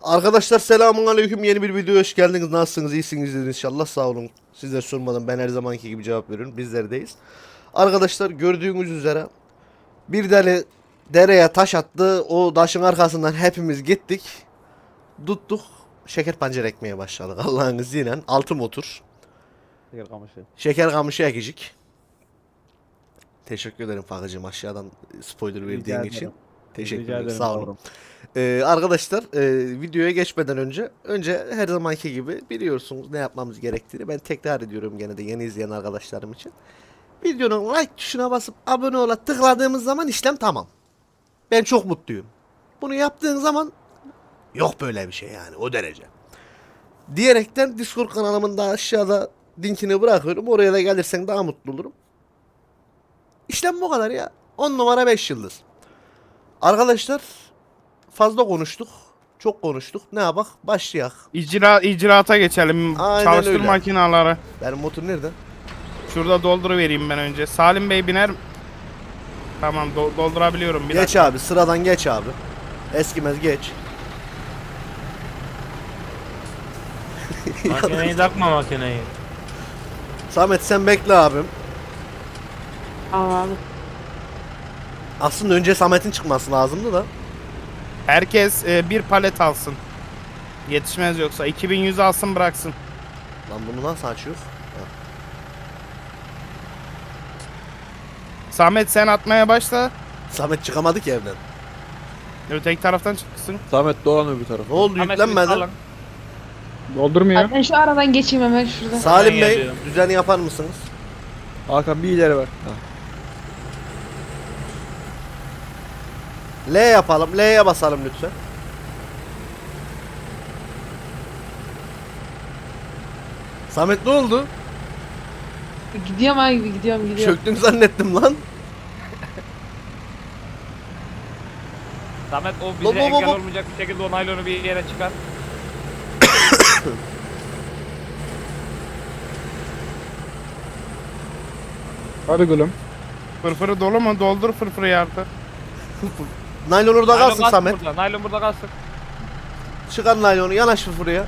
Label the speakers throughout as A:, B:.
A: Arkadaşlar selamun aleyküm, yeni bir videoya hoş geldiniz. Nasılsınız, iyisinizdir inşallah, sağ olun. Sizler sormadan ben her zamanki gibi cevap veriyorum, bizlerdeyiz. Arkadaşlar gördüğünüz üzere bir dereye taş attı, o taşın arkasından hepimiz gittik. Tuttuk, şeker pancar ekmeye başladık Allah'ın izniyle. Altı motor
B: Şeker kamışı.
A: şeker kamışı ekicik. Teşekkür ederim Fakıcığım, aşağıdan spoiler verdiğin için.
B: ederim.
A: Teşekkür
B: Rica
A: ederim,
B: ederim
A: sağ olun.
B: yavrum.
A: Arkadaşlar videoya geçmeden önce her zamanki gibi biliyorsunuz ne yapmamız gerektiğini ben tekrar ediyorum gene de yeni izleyen arkadaşlarım için. Videonun like tuşuna basıp abone ola tıkladığımız zaman işlem tamam. Ben çok mutluyum. Bunu yaptığın zaman yok böyle bir şey, yani o derece. Diyerekten Discord kanalımın da aşağıda linkini bırakıyorum. Oraya da gelirsen daha mutlu olurum. İşlem bu kadar ya. 10 numara 5 yıldız. Arkadaşlar fazla konuştuk. Çok konuştuk. Ne yapak? Başlayak.
C: İcraata geçelim.
A: Aynen
C: Çalıştır
A: öyle.
C: makinaları.
A: Benim motor nerede?
C: Şurada dolduruvereyim ben önce. Salim Bey biner. Tamam doldurabiliyorum. Bir
A: Geç
C: dakika.
A: abi. Sıradan geç abi. Eskimez geç.
D: Makineyi takma makineyi.
A: Samet sen bekle abim.
E: Abi.
A: Aslında önce Samet'in çıkması lazımdı da.
C: Herkes bir palet alsın. Yetişmez yoksa. 2100 alsın bıraksın.
A: Lan bunu nasıl açıyor?
C: Samet sen atmaya başla.
A: Samet çıkamadı ki evden.
C: Öteki taraftan çıksın.
B: Samet dolan öbür tarafa.
A: Ne oldu, yüklenmedi?
B: Doldurmuyor.
E: Abi ben şu aradan geçeyim hemen şurada.
A: Salim
D: Ben
A: Bey
D: geliyorum.
A: düzeni yapar mısınız?
B: Hakan bir ileri bak. Ha.
A: L yapalım. L'ye basalım lütfen. Samet ne oldu?
E: Gidiyorum abi gidiyorum.
A: Çöktün zannettim lan.
F: Samet o
A: Hop,
F: bize
A: hop,
F: engel
A: hop.
F: olmayacak bir şekilde o naylonu bir yere çıkar.
B: Hadi gülüm.
C: Fırfırı dolu mu? Doldur fırfırı artık.
A: Naylon orada
F: Naylon
A: kalsın
F: kalsın
A: Samet.
F: burada, naylon burada kalsın.
A: Çıkar naylonu, yanaş buraya.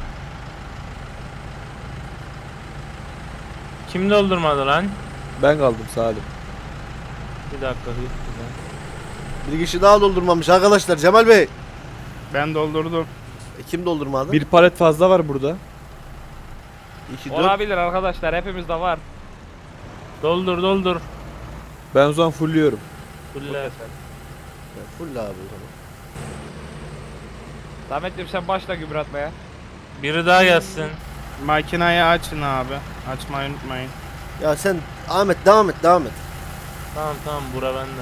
D: Kim doldurmadı lan?
B: Ben kaldım Salim.
D: Bir dakika.
A: Bir kişi daha doldurmamış arkadaşlar. Cemal Bey.
C: Ben doldurdum.
A: Kim doldurmadı?
B: Bir palet fazla var burada.
A: 2, 4.
F: Olabilir arkadaşlar, hepimizde var.
D: Doldur.
B: Ben o zaman fullüyorum.
D: Fulle.
A: Full abi o zaman.
F: Samet'ciğim sen başla gübre atmaya.
D: Biri daha gelsin.
C: Makinayı açın abi. Açmayı unutmayın.
A: Ya sen Ahmet devam et.
D: Tamam bura bende.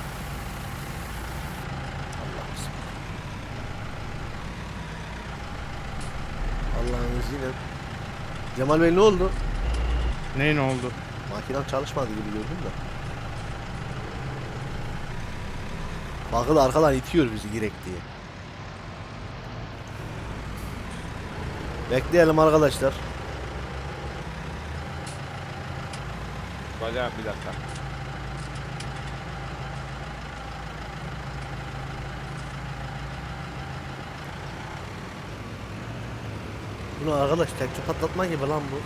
A: Allah'ın izniyle. Cemal Bey ne oldu?
C: Neyin oldu?
A: Makinem çalışmadı gibi gördüm de. Bakın arkadan itiyor bizi girek diye. Bekleyelim arkadaşlar.
F: Bacağım bir dakika.
A: Bunu arkadaş tekçe patlatma gibi lan bu.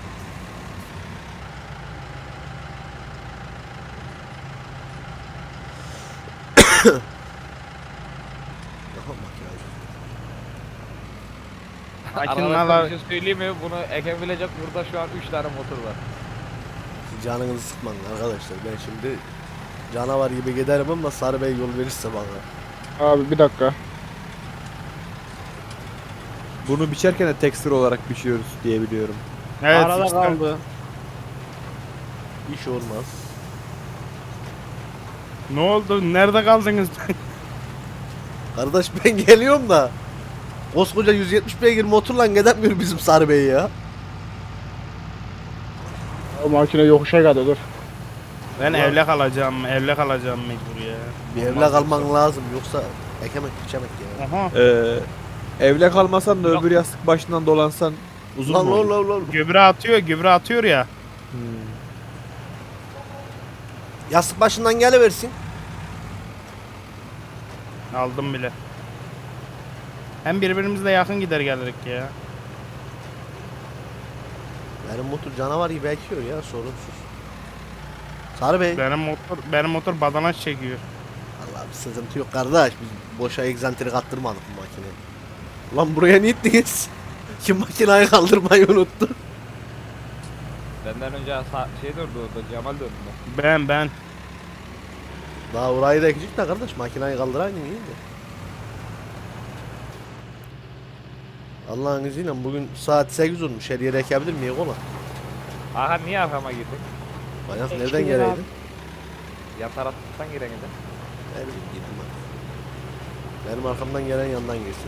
A: Aha, makine.
F: Arkadaşlar
C: Makineler
F: bir şey söyleyeyim mi? Bunu ekebilecek burada şu an 3 tane motor var.
A: Canınızı sıkmayın arkadaşlar. Ben şimdi canavar gibi giderim ama Sarı Bey yol verirse bana.
G: Abi bir dakika.
B: Bunu biçerken de tekstür olarak biçiyoruz diye biliyorum.
C: evet
B: Arada
C: işte.
B: kaldı.
A: İş olmaz.
C: Ne oldu? Nerede kaldınız?
A: Kardeş ben geliyorum da. Koskoca 170 beygir motorla gidemiyor bizim Sarı Bey ya.
G: O makine yokuşa geldi dur.
C: Ben evle kalacağım mecbur ya.
A: Bir evle kalman lazım yoksa ekemek biçemek ya.
C: Aha.
B: Evle kalmasan da öbür yastık başından dolansan uzun
A: Lan
B: mu olur?
A: lan.
C: Gübre atıyor ya.
B: Hmm.
A: Yastık başından geliversin.
C: Aldım bile. Hem birbirimizle yakın gider gelirdik ya.
A: Benim motor canavar gibi ekiyor ya sorunsuz. Sarı Bey.
C: Benim motor badanaş çekiyor.
A: Allah'ım sıkıntı yok kardeş. Biz boşa egzantrik attırmadık bu makineyi. Lan buraya ne ittiniz? Kim makineyi kaldırmayı unuttu?
F: Benden önce şey durdu orada, Cemal döndü.
C: Ben.
A: Daha orayı da ekecek de kardeş makineyi kaldıran gibi iyiydi. Allah'ın izniyle bugün saat 8 olmuş. Her yere ekebilir miyim ola?
F: Aha niye arkama girdin?
A: Bayağı
E: Ekti
A: nereden
E: bir
A: geleydin?
E: abi.
F: Yan taraftan giren gidin.
A: Ne bileyim girdim ben. Benim arkamdan gelen yandan girsin.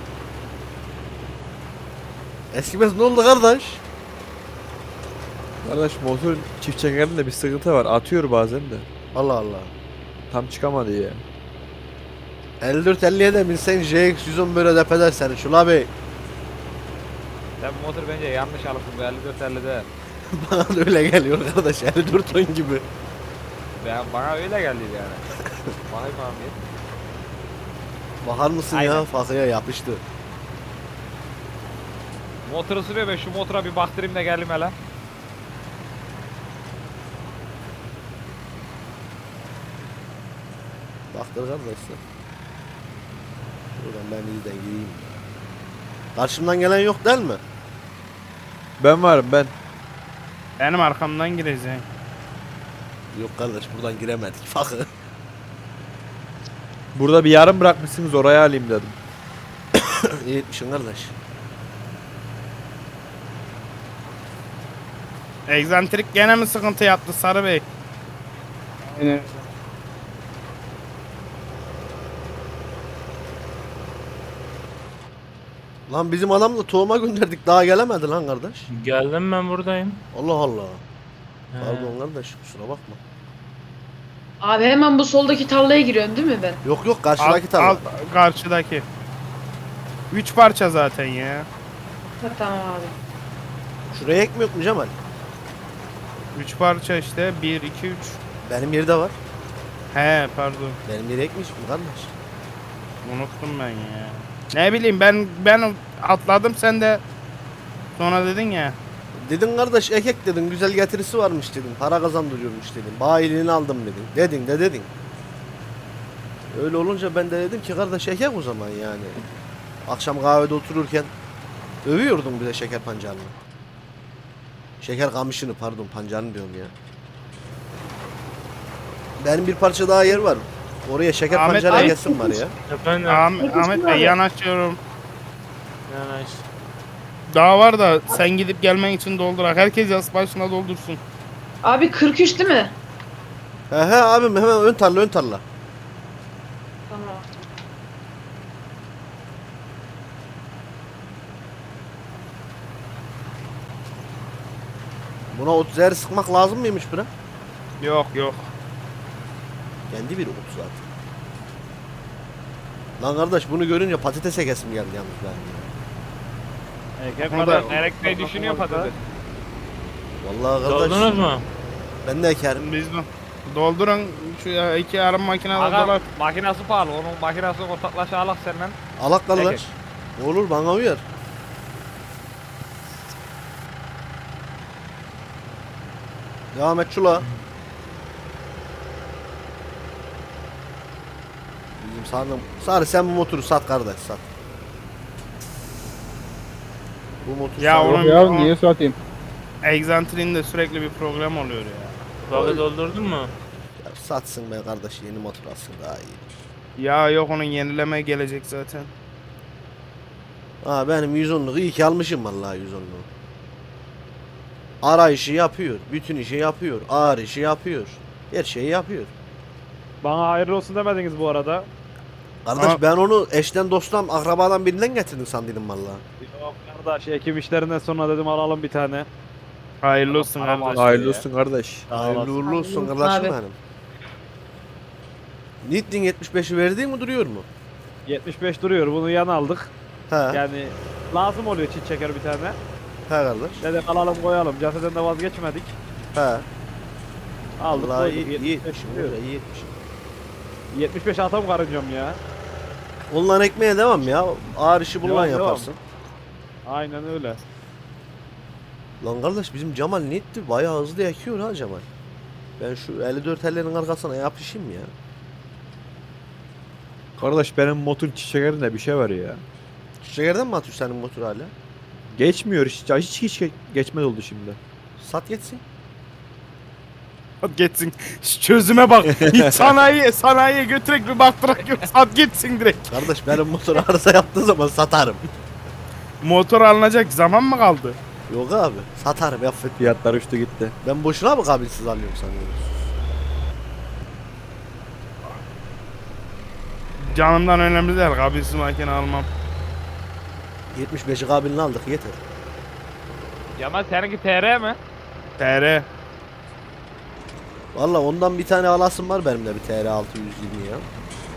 A: Eskimez ne oldu kardeş?
B: Kardeş motorun çift çekerinde bir sıkıntı var. Atıyor bazen de.
A: Allah Allah.
B: Tam çıkamadı ya.
A: 54-50'ye de binsen JX 110 böyle def eder seni Şula Bey.
F: Sen bu motor bence yanlış alırsın bu 54-50'de.
A: Bana da öyle geliyor kardeş 54 ton gibi.
F: Bana öyle geldi yani. Bakayım abi.
A: Bakar mısın
F: Aynen.
A: ya fakıya yapıştı.
F: Motoru sürüyor, ben şu motora bir baktırayım da geldim hele.
A: Baktır kardeşler. Şuradan ben iyiden gireyim. Karşımdan gelen yok değil mi?
B: Ben varım ben.
C: Benim arkamdan gireceksin.
A: Yok kardeş buradan giremedik fakı.
B: Burada bir yarım bırakmışsınız, oraya alayım dedim.
A: İyi etmişsin kardeş.
C: Egzantrik gene mi sıkıntı yaptı Sarı Bey?
G: Aynen.
A: Lan bizim adamla tohuma gönderdik daha gelemedi lan kardeş.
D: Geldim ben buradayım.
A: Allah Allah.
D: He.
A: Pardon kardeş kusura bakma.
E: Abi hemen bu soldaki tarlaya giriyorsun değil mi ben?
A: Yok yok karşıdaki tarla.
C: Karşıdaki. 3 parça zaten ya.
E: Ha, tamam abi.
A: Şuraya ekmiyor mu Cemal?
C: 3 parça işte. 1, 2, 3.
A: Benim yerde var.
C: He pardon.
A: Benim yere ekmiş mi kardeş?
C: Unuttum ben ya. Ne bileyim ben atladım sen de sonra dedin ya.
A: Dedin kardeş ekek dedin güzel getirisi varmış dedin. Para kazandırıyormuş dedin. Bayiliğini aldım dedin. Dedin de dedin. Öyle olunca ben de dedim ki kardeş ekek o zaman yani. Akşam kahvede otururken övüyordum bize şeker pancarını. Şeker kamışını pardon pancarını diyorum ya. Benim bir parça daha yer var. Oraya şeker
C: Ahmet
A: pancarı
C: Bey.
A: ekesim var ya.
D: Efendim.
C: Ahmet Bey yanaşıyorum.
D: Yanaş.
C: Daha var da sen gidip gelmen için doldurak. Herkes yas başına doldursun.
E: Abi 43 değil mi?
A: He abim hemen ön tarla ön tarla.
E: Tamam.
A: Buna 30'er sıkmak lazım mıymış buna?
C: Yok.
A: Kendi bir 30 zaten. Lan kardeş bunu görünce patatese kesim geldi yalnız benim ya.
C: Burada-
F: Elektriği düşünüyor patates.
A: Vallahi kardeş
D: Doldunuz mu?
A: ben de ekerim.
C: Biz de doldurun şu iki yarım makinede
F: Aga
C: dolar.
F: makinası pahalı, onun makinası ortaklaşa alak senden.
A: Alak kardeş.
F: Ekek.
A: Olur bana uyar. Devam et şula. Bizim Sarı sen bu motoru sat kardeş sat. Bu motor
C: Ya
A: sat.
C: oğlum,
G: Yok ya niye satayım?
C: Egzantriğinde sürekli bir problem oluyor ya.
D: Balı doldurdun mu?
A: Ya satsın be kardeş yeni motor alsın daha iyi.
C: Ya yok onun yenileme gelecek zaten.
A: Ha benim 110'luk iyi ki almışım vallahi 110'luğu. Ara işi yapıyor, bütün işi yapıyor, ağır işi yapıyor. Her şeyi yapıyor.
H: Bana hayırlı olsun demediniz bu arada.
A: Kardeş
C: Ama-
A: ben onu eşten dosttan akrabadan birinden getirdim sandıydım vallahi.
H: Yok kardeş, ekim işlerinden sonra dedim alalım bir tane.
C: Hayırlı olsun
H: Tamam,
C: kardeş.
B: Hayırlı olsun kardeş.
A: Hayırlı uğurlu olsun
E: Hayırlı olsun
A: kardeşim
E: abi.
A: benim. Nittin 75'i verdiğin mi duruyor mu?
H: 75 duruyor, bunu yan aldık.
A: He,
H: Yani lazım oluyor çift çeker bir tane.
A: he kardeş.
H: Dedim alalım koyalım, caseden de vazgeçmedik.
A: He.
H: Aldık
A: Vallahi
H: koyduk.
A: iyi, iyi
H: 75
A: etmişim.
H: duruyor.
A: öyle iyi etmişim.
H: 75 atam karıncam ya.
A: Ondan ekmeğe devam ya. Ağır işi bundan
H: Devam,
A: yaparsın.
H: Aynen öyle.
A: Lan kardeş bizim Cemal ne etti? Bayağı hızlı yakıyor ha Cemal. Ben şu 54 ellerin arkasına yapışayım ya.
B: Kardeş benim motor çiçeklerinde bir şey var ya.
A: Çiçeklerden mi atıyor senin motor hala?
B: Geçmiyor hiç geçmez oldu şimdi.
A: Sat geçsin.
C: Hadi geçsin. Şu çözüme bak. Hiç sanayiye götürek bir baktırak yok. Sat gitsin direkt.
A: Kardeş benim motor arıza yaptığı zaman satarım.
C: Motor alınacak zaman mı kaldı?
A: Yok abi satarım affet.
B: Fiyatlar uçtu gitti.
A: Ben boşuna mı kabilsiz alıyorum sanıyorum.
C: Canımdan önemli değil. Kabilsiz makine almam.
A: 75'i kabilini aldık yeter.
F: Cemal seninki TR mi?
C: TR.
A: Valla ondan bir tane alasım var benim de bir TR 620 ya.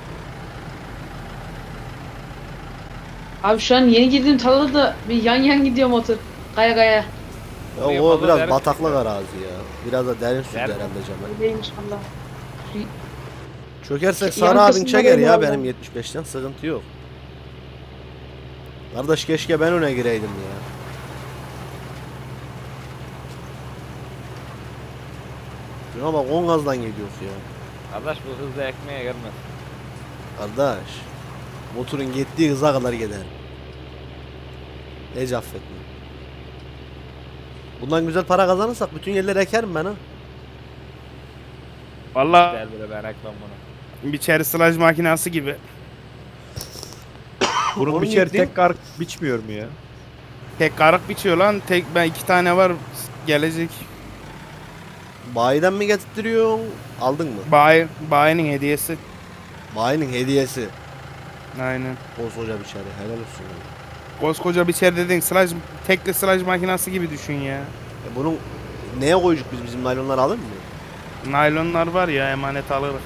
E: Abi şu an yeni girdiğim tarlada da bir yan gidiyor motor. Kaya kaya.
A: Ya
F: Oraya
A: o
F: fazla
A: biraz
F: derin
A: bataklık
F: çıktı.
A: arazi ya. Biraz da derin sürdü
F: Derin.
A: herhalde Cemal.
E: Öyleymiş valla.
A: Çökersek
E: Yan
A: Sarı abin
E: kısımda
A: çeker
E: benim
A: ya
E: var
A: benim
E: ya.
A: 75'ten sıkıntı yok. Kardeş keşke ben öne gireydim ya. Şuna bak 10 gazdan gidiyoruz ya.
F: Kardeş bu hızla ekmeğe gelmez.
A: Kardeş. Motorun gittiği hıza kadar gider. Hiç affetme. Bundan güzel para kazanırsak bütün yerleri ekerim ben ha.
C: Valla
F: Gel böyle ben ekmem bunu.
C: bir çeri sılaj makinası gibi.
B: Bunun
A: Onun
B: biçer
A: gittiği-
B: tek kar biçmiyor mu ya?
C: Tek karık biçiyor lan. Tek ben 2 tane var gelecek.
A: Bayiden mi getirtiyorsun? Aldın mı?
C: Bayinin hediyesi.
A: Bayinin hediyesi.
C: Aynen.
A: Koskoca bir çare. Helal olsun. ya.
C: Koskoca bir çer dedin sılaj, tekli sılaj makinası gibi düşün ya.
A: Bunun neye koyacak bizim naylonları alır mı?
C: Naylonlar var ya emanet alırız.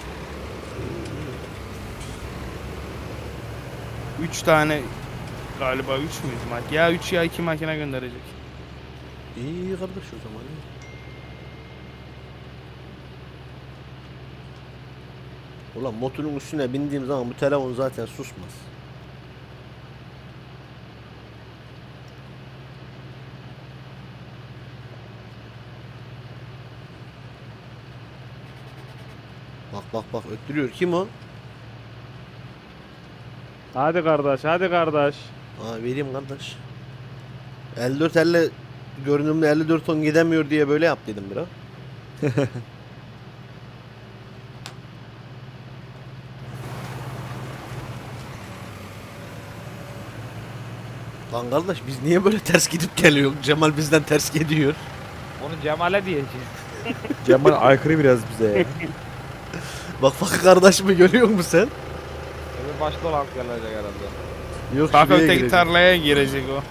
C: 3 tane galiba 3 müydü ya 3 ya 2 makine gönderecek.
A: İyi kardeş o zaman. ya. Ulan motorun üstüne bindiğim zaman bu telefon zaten susmaz. Bak öttürüyor. Kim o?
H: Hadi kardeş, hadi kardeş.
A: Aa vereyim kardeş. 54 görünümlü 54 ton gidemiyor diye böyle yap dedim biraz. Lan kardeş biz niye böyle ters gidip geliyoruz? Cemal bizden ters gidiyor.
F: Onu Cemal'e diyeceğim.
B: Cemal aykırı biraz bize ya.
A: Bak kardeşimi görüyor musun sen?
F: Öbür başta olan gelecek herhalde.
A: Yok
C: Bak
A: şuraya
C: öteki
A: girecek.
C: tarlaya girecek o.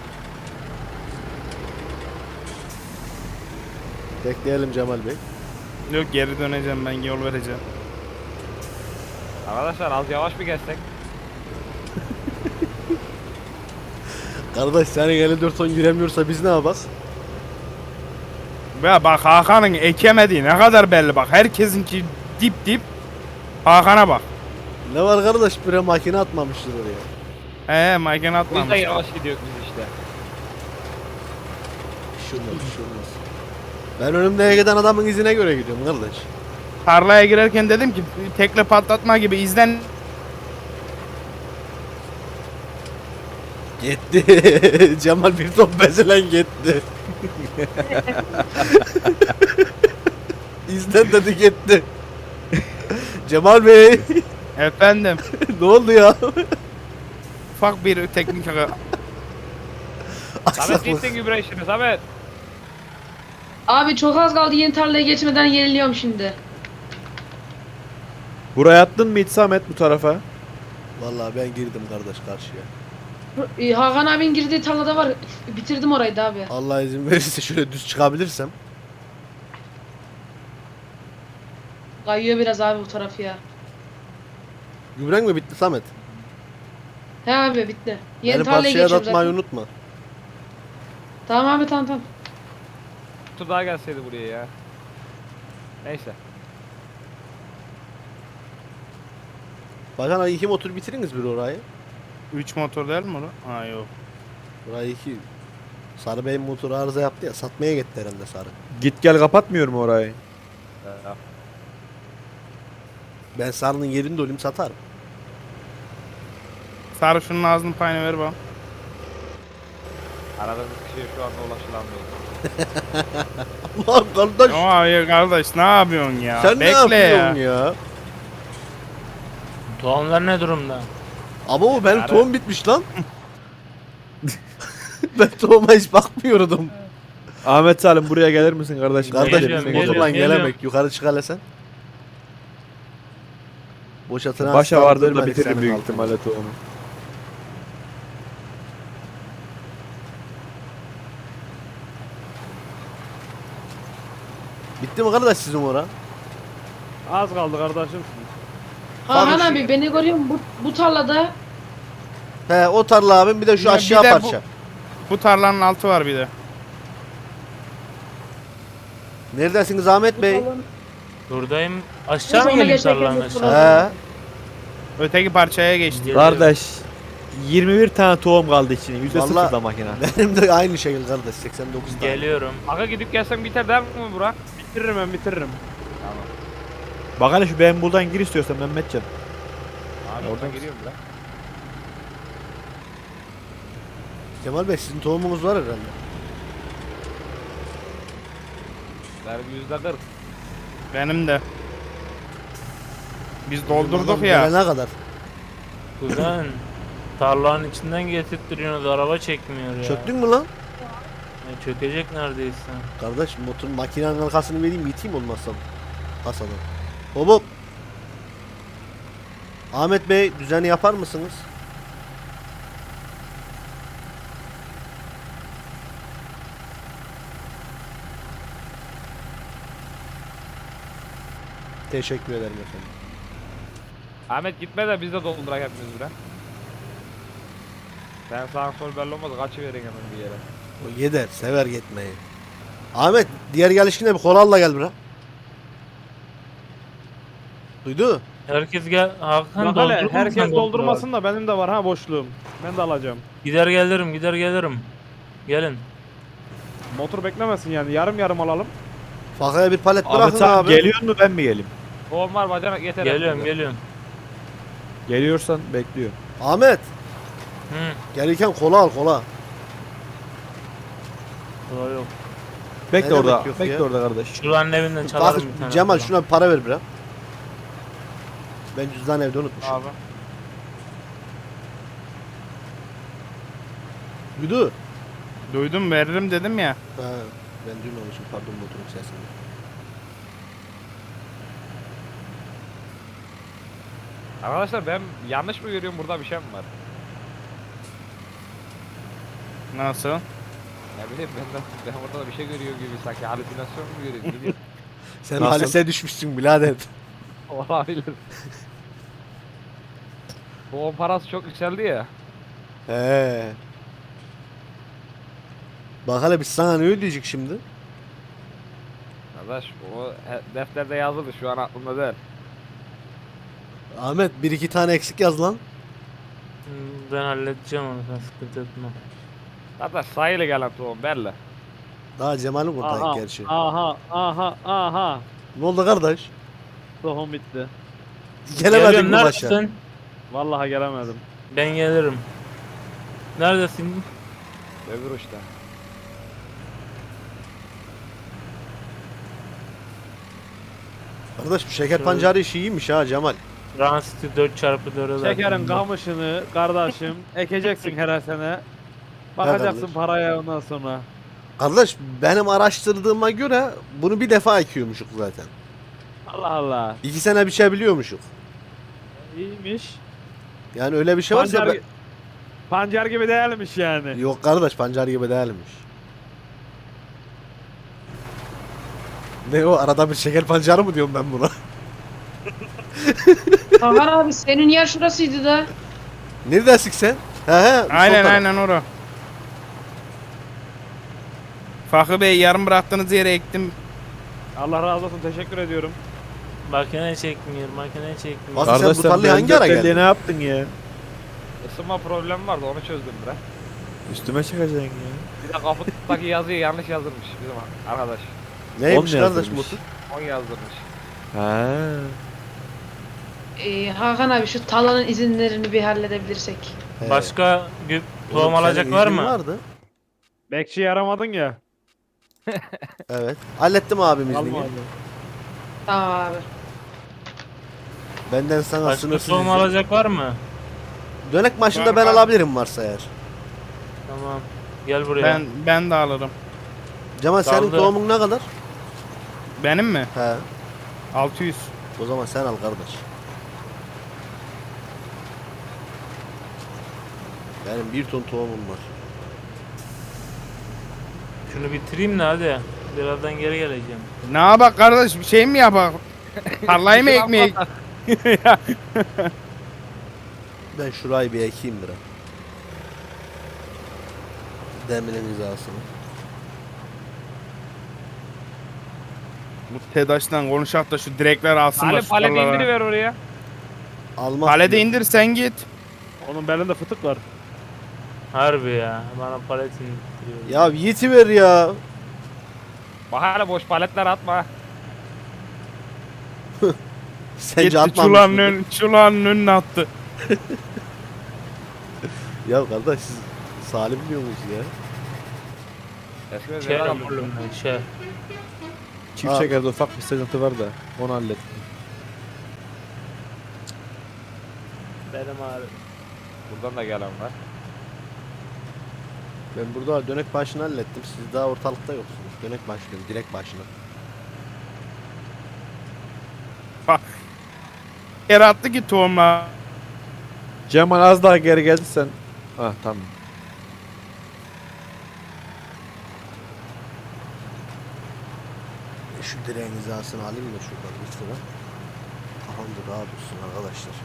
A: Bekleyelim Cemal Bey.
C: Yok geri döneceğim ben yol vereceğim.
F: Arkadaşlar az yavaş bir geçsek.
A: Kardeş senin 54 ton giremiyorsa biz ne yapak?
C: Ya bak Hakan'ın ekemediği ne kadar belli bak. Herkesinki dip. Hakan'a bak.
A: Ne var kardeş bre makine atmamıştır oraya.
C: Makine
F: Bu yüzden
C: atmamış.
F: yavaş gidiyoruz biz işte.
A: Şurmaz. Ben önümde giden adamın izine göre gidiyorum kardeş.
C: Tarlaya girerken dedim ki tekle patlatma gibi izlen.
A: Gitti. Cemal bir top bezilen gitti. İzlen dedi gitti. Cemal Bey.
C: Efendim
A: Ne oldu ya?
C: ufak bir teknik
F: Samet
A: Aksaklık.
F: gittin gübre işini Samet.
E: Abi çok az kaldı yeni tarlaya geçmeden yeniliyorum şimdi.
B: Buraya attın mı hiç Samet bu tarafa?
A: Vallahi ben girdim kardeş karşıya.
E: Hakan abinin girdiği tarlada var. Bitirdim orayı da abi.
A: Allah izin verirse şöyle düz çıkabilirsem.
E: Kayıyor biraz abi bu tarafı ya.
A: Gübren mi bitti Samet?
E: He abi bitti. Yeni
A: Beni
E: tarlaya
A: parçaya
E: geçiyorum
A: atmayı
E: zaten.
A: unutma.
E: Tamam abi tamam.
F: Tur daha gelseydi buraya ya. Neyse.
A: Bakan 2 motor bitiriniz bir orayı.
C: 3 motor değil mi o? Ha yok.
A: Burayı 2. Sarı Bey'in motoru arıza yaptı ya. Satmaya gitti herhalde Sarı.
B: Git gel kapatmıyor mu orayı?
A: Ben Sarı'nın yerinde olayım satarım.
C: Sarı şunun ağzının payını ver bana.
F: Aradığımız kişiye şu anda ulaşılamıyor.
A: Ulan kardeş.
C: Ay kardeş ne yapıyorsun ya?
A: Sen ne
C: Bekle
A: yapıyorsun
C: ya.
A: ya?
D: Tohumlar ne durumda?
A: Ama o benim
F: Sarı.
A: tohum bitmiş lan. Ben tohuma hiç bakmıyordum.
B: Ahmet Salim buraya gelir misin kardeşim?
A: Kardeş
D: Geliyorum,
A: bizim
D: geliyorum,
A: motorla
D: geliyorum.
A: gelemek. Yukarı çık hele sen. Boşa
B: Başa vardır da
A: vermedik
B: bitiririm
A: senin
B: büyük
A: altına.
B: ihtimalle tohumu.
A: Bitti mi kardeş sizin ora?
H: Az kaldı kardeşim.
E: Hakan abi beni görüyor musun? Bu tarlada
A: He o tarla abim bir de şu
C: Ya bir
A: aşağı
C: de bu-
A: parça.
C: Bu tarlanın altı var bir de.
A: Neredesiniz Ahmet Bey?
D: Buradayım. Aşağı mı
E: Sonra
D: geleyim
E: geçerken
D: tarlanın
E: bu
D: aşağı?
A: He.
C: Öteki parçaya geçti.
D: Geliyorum.
B: Kardeş 21 tane tohum kaldı içine. %0
A: Vallahi-
B: da makine.
A: Benim de aynı şekil kardeş 89 tane.
D: Geliyorum.
F: Aga gidip gelsen biter değil mi Burak?
H: Bitiririm ben bitiririm.
B: Bak hele şu benim buradan gir istiyorsan Mehmetcan.
F: Abi oradan giriyorum Burak.
A: Kemal Bey sizin tohumunuz var herhalde.
F: Benim %40.
C: Benim de. Biz doldurduk
A: Adam
C: ya.
A: gelene kadar.
D: Kuzen. Tarlanın içinden getirttiriyorsunuz. Araba çekmiyor ya.
A: Çöktün mü lan?
D: Çökecek neredeyse.
A: Kardeş motorun makinenin arkasını vereyim iteyim olmazsa. Kasadan. Hop hop. Ahmet Bey düzeni yapar mısınız? Teşekkür ederim efendim.
F: Ahmet gitme de biz de doldurak hepimiz Burak. Ben sağ sol belli olmaz kaçıverin hemen bir yere.
A: O gider, sever gitmeyi. Ahmet diğer gelişine bir kolalla gel bura. Duydu?
D: Herkes gel. Hakan
H: Bak hele
D: doldurur musun
H: herkes
D: sen
H: doldurmasın da benim de var ha boşluğum. Ben de alacağım.
D: Gider gelirim, gider gelirim. Gelin.
H: Motor beklemesin yani yarım yarım alalım.
A: Fakaya bir palet
B: Ahmet
A: bırakın
B: Salim
A: abi.
B: geliyor mu ben mi geleyim?
F: Tohum var bacanak yeter.
D: Geliyorum, geliyorum.
B: Geliyorsan bekliyor.
A: Ahmet
D: Hı.
A: gelirken kola al kola.
D: Kolay yok.
B: Bekle
A: Ne
B: orada.
A: demek yok
B: Bekle
A: ya?
B: orada kardeş.
D: Şuranın evinden çalarım
A: Bak
D: bir tane.
A: Cemal
D: falan.
A: şuna bir para ver biraz. Ben cüzdan evde unutmuşum.
F: Abi.
A: Duydu?
C: Duydum veririm dedim ya.
A: Ha, ben duymamışım pardon motorun sesini.
F: Arkadaşlar ben yanlış mı görüyorum burada bir şey mi var?
C: Nasıl?
F: Ne bileyim ben orada da bir şey görüyor gibi sanki halüsinasyon mu görüyorum bilmiyorum.
A: Sen
B: Nasıl?
A: halise düşmüşsün birader.
F: Olabilir. Bu 10 parası çok yükseldi ya.
A: He. Bak hele biz sana ne ödeyecek şimdi?
F: Arkadaş o defterde yazılı şu an aklımda değil.
A: Ahmet bir iki tane eksik yaz lan.
D: Ben halledeceğim onu, sen sıkıntı etme.
F: Arkadaş sayılı gelen tohum belli.
A: Daha Cemal'in buradayız
H: Aha,
A: gerçi.
H: aha.
A: Ne oldu kardeş?
H: Tohum bitti.
A: Gelemedik
D: Geliyorum,
A: mi başa?
D: neredesin?
H: Vallahi gelemedim.
D: Ben gelirim. Neredesin?
F: Öbür uçta.
A: Kardeş bu şeker pancarı işi iyiymiş ha Cemal.
D: Ransiti 4x4'e
H: Şekerin kamışını kardeşim ekeceksin her sene. Bakacaksın
A: kardeş.
H: paraya ondan sonra.
A: Kardeş benim araştırdığıma göre bunu bir defa ekiyormuşuk zaten.
H: Allah Allah.
A: 2 sene biçebiliyormuşuk.
H: İyiymiş.
A: Yani öyle bir şey varsa
H: Pancar, pancar gibi değilmiş yani.
A: Yok kardeş pancar gibi değilmiş. Ne o arada bir şeker pancarı mı diyorum ben buna?
E: Hakan abi senin yer şurasıydı da.
A: Neredesin sen? He he. sol
C: Aynen
A: taraf.
C: aynen ora. Fakı Bey yarım bıraktığınız yere ektim.
H: Allah razı olsun teşekkür ediyorum.
D: Makine çekmiyor, makine çekmiyor.
A: Bak-
B: Kardeş
A: sen bu tarlayı
B: ben
A: hangi ara
B: dörttelliğe
A: geldin?
B: ne yaptın ya?
F: Isınma problemi vardı onu çözdüm bre.
B: Üstüme çıkacaksın ya.
F: Bir de kaputtaki yazıyı yanlış yazdırmış bizim arkadaş.
A: Neymiş
B: On
A: kardeş
B: yazdırmış.
A: motor?
F: 10 yazdırmış.
B: Ha.
E: Hakan abi şu talanın izinlerini bir halledebilirsek.
A: He.
D: Başka tohum
A: Oğlum,
D: alacak
A: senin
D: var
A: iznin
D: mı?
A: Vardı.
H: Bekçiyi aramadın ya.
A: Evet. Hallettim abim iznini.
H: Alma abi.
E: Tamam abi.
A: Benden sana
D: Başka
A: sınırsız
D: tohum
A: izin.
D: alacak var mı?
A: Dönek başında ben alabilirim varsa eğer.
D: Tamam. Gel buraya.
C: Ben de alırım.
A: Cemal senin
D: Kaldı.
A: tohumun ne kadar?
C: Benim mi?
A: He.
C: 600.
A: O zaman sen al kardeş. Benim 1 ton tohumum var.
D: Şunu bitireyim de hadi. Birazdan geri geleceğim.
C: Ne yapak kardeş bir şey mi yapak? Tarlayı mı ekmeği?
A: Ben şurayı bir ekeyim biraz. Demirin hizasını.
C: Bu TEDAŞ'tan konuşak da şu direkler alsınlar
F: Ali
C: şu
F: paleti
C: tarlalara.
F: indiriver oraya.
A: Almak
C: Palede
A: diyor.
C: indir sen git.
H: Onun belinde fıtık var.
D: Harbi ya. Bana paletini bitiriyor.
A: Ya yetiver ya.
F: Bahane boş paletler atma.
A: Sence
C: Gitti
A: atmamış mıdır?
C: çulanın önüne attı.
A: Ya kardeş siz salim diyor musunuz ya?
F: Eskiden
D: Şey
F: neler
D: yapıyorum ben şey.
B: Çift
A: Abi.
B: şekerde ufak bir sıkıntı var da onu hallettim.
D: Benim ağrım.
F: Buradan da gelen var.
A: Ben burada dönek başını hallettim. Siz daha ortalıkta yoksunuz. Dönek başını, direkt başına.
C: Yere attı ki tohumla.
B: Cemal az daha geri geldi sen. Ah tamam.
A: Şu direğin hizasını alayım da şuradan bir sıra. Kafam da rahat olsun arkadaşlar.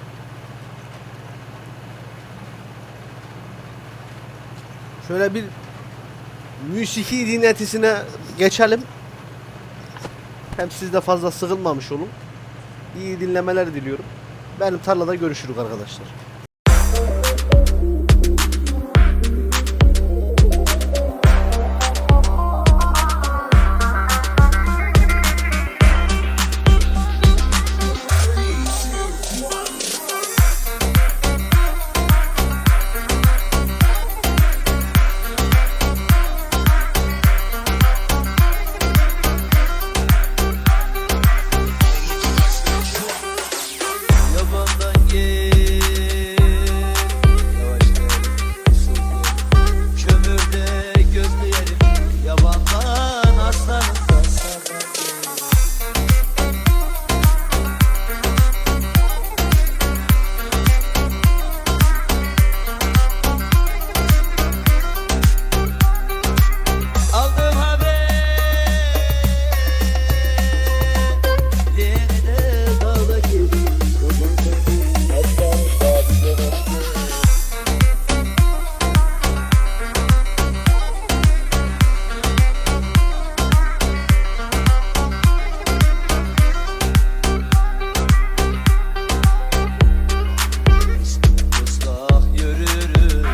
A: Şöyle bir müziki dinletisine geçelim. Hem siz de fazla sıkılmamış olun. İyi dinlemeler diliyorum. Benim tarlada görüşürük arkadaşlar.
I: Yabandan gel, yavaş gel, kömürde gözlerim, yabandan aslanım da sana gel. Aldım haber, yenide dağda gibi. Islak yürürüm,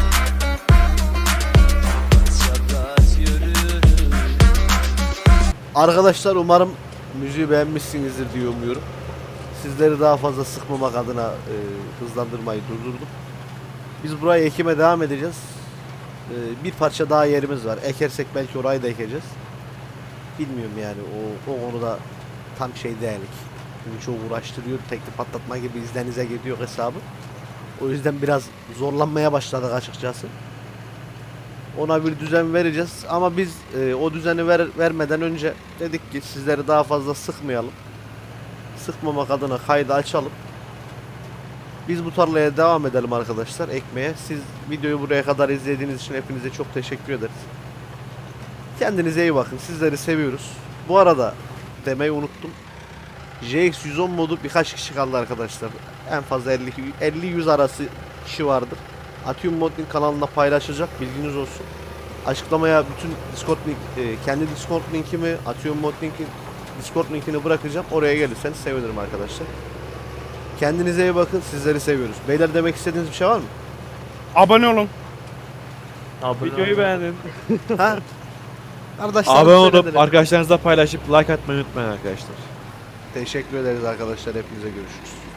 I: çapraz yürürüm.
A: Arkadaşlar umarım müziği beğenmişsinizdir diye umuyorum. Sizleri daha fazla sıkmamak adına hızlandırmayı durdurdum. Biz burayı ekime devam edeceğiz. Bir parça daha yerimiz var. Ekersek belki orayı da ekeceğiz. Bilmiyorum yani o konuda tam şey değilik. Çünkü çok uğraştırıyor. Tekli patlatma gibi izlenize gidiyor hesabı. O yüzden biraz zorlanmaya başladık açıkçası. Ona bir düzen vereceğiz ama biz o düzeni vermeden önce dedik ki sizleri daha fazla sıkmayalım. Sıkmamak adına kaydı açalım. Biz bu tarlaya devam edelim arkadaşlar ekmeye. Siz videoyu buraya kadar izlediğiniz için hepinize çok teşekkür ederiz. Kendinize iyi bakın. Sizleri seviyoruz. Bu arada demeyi unuttum. JX110 modu birkaç kişi kaldı arkadaşlar. En fazla 50-100 arası kişi vardır. Atium Modding kanalında paylaşacak, bilginiz olsun. Açıklamaya bütün Discord link, kendi Discord linkimi, Atium Modding'in Discord linkini bırakacağım. Oraya gelirseniz sevinirim arkadaşlar. Kendinize iyi bakın. Sizleri seviyoruz. Beyler demek istediğiniz bir şey var mı?
C: Abone olun.
D: Abone
H: Videoyu
D: olun.
H: beğenin.
A: Ha? Arkadaşlar
B: Abone olup
A: söyledim.
B: arkadaşlarınızla paylaşıp like atmayı unutmayın arkadaşlar.
A: Teşekkür ederiz arkadaşlar. Hepinize görüşürüz.